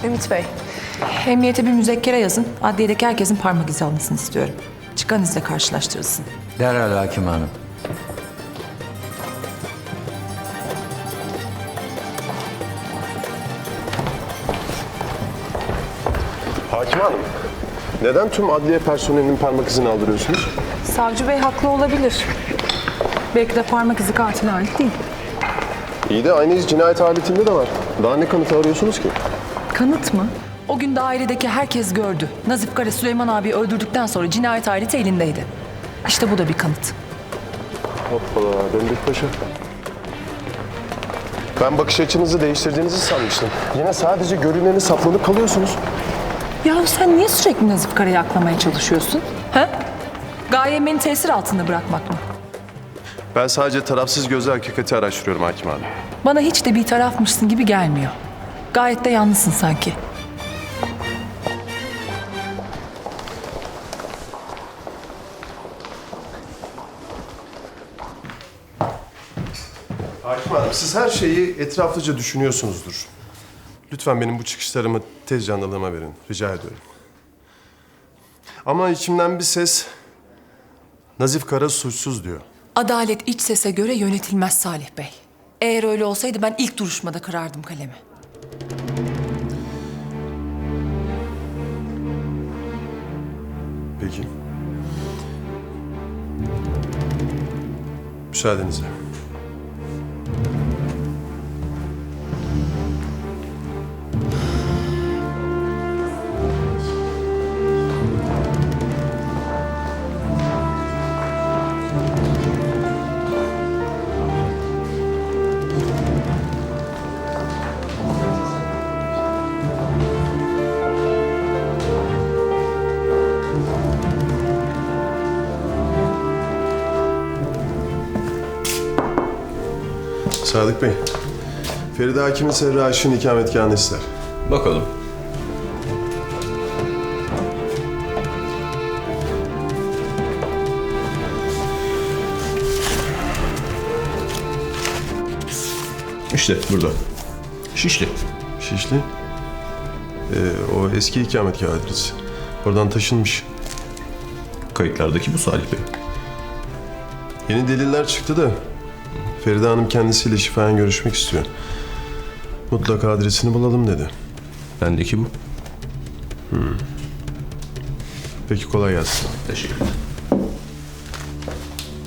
Ümit Bey, Emniyete bir müzekkere yazın. Adliyedeki herkesin parmak izi almasını istiyorum. Çıkan izle karşılaştırılsın. Derhal hakim hanım. Hakim Hanım, neden tüm adliye personelinin parmak izini aldırıyorsunuz? Savcı Bey haklı olabilir. Belki de parmak izi katile ait değil. İyi de aynı iz cinayet aletinde de var. Daha ne kanıtı arıyorsunuz ki? Kanıt mı? O gün dairedeki herkes gördü. Nazif Kara Süleyman abiyi öldürdükten sonra cinayet aleti elindeydi. İşte bu da bir kanıt. Hoppala, döndük paşa. Ben bakış açınızı değiştirdiğinizi sanmıştım. Yine sadece görüneni saplanıp kalıyorsunuz. Ya sen niye sürekli Nazif Kara'yı aklamaya çalışıyorsun? Ha? Gayen beni tesir altında bırakmak mı? Ben sadece tarafsız gözle hakikati araştırıyorum Hakim Hanım. Bana hiç de bir tarafmışsın gibi gelmiyor. Gayet de yalnızsın sanki. Hakim Hanım, siz her şeyi etraflıca düşünüyorsunuzdur. Lütfen benim bu çıkışlarımı tez canlılığıma verin. Rica ediyorum. Ama içimden bir ses Nazif Kara suçsuz diyor. Adalet iç sese göre yönetilmez Salih Bey. Eğer öyle olsaydı ben ilk duruşmada kırardım kalemi. Peki. Müsaadenizle. Sadık Bey, Feride Hakim'in Serra Aşık'ın ikametgahını ister. Bakalım. İşte burada. Şişli. Şişli. O eski ikametgah adresi. Oradan taşınmış. Kayıtlardaki bu Salih Bey. Yeni deliller çıktı da Feride Hanım kendisiyle şifayen görüşmek istiyor. Mutlaka adresini bulalım dedi. Bendeki bu. Peki kolay gelsin. Teşekkür ederim.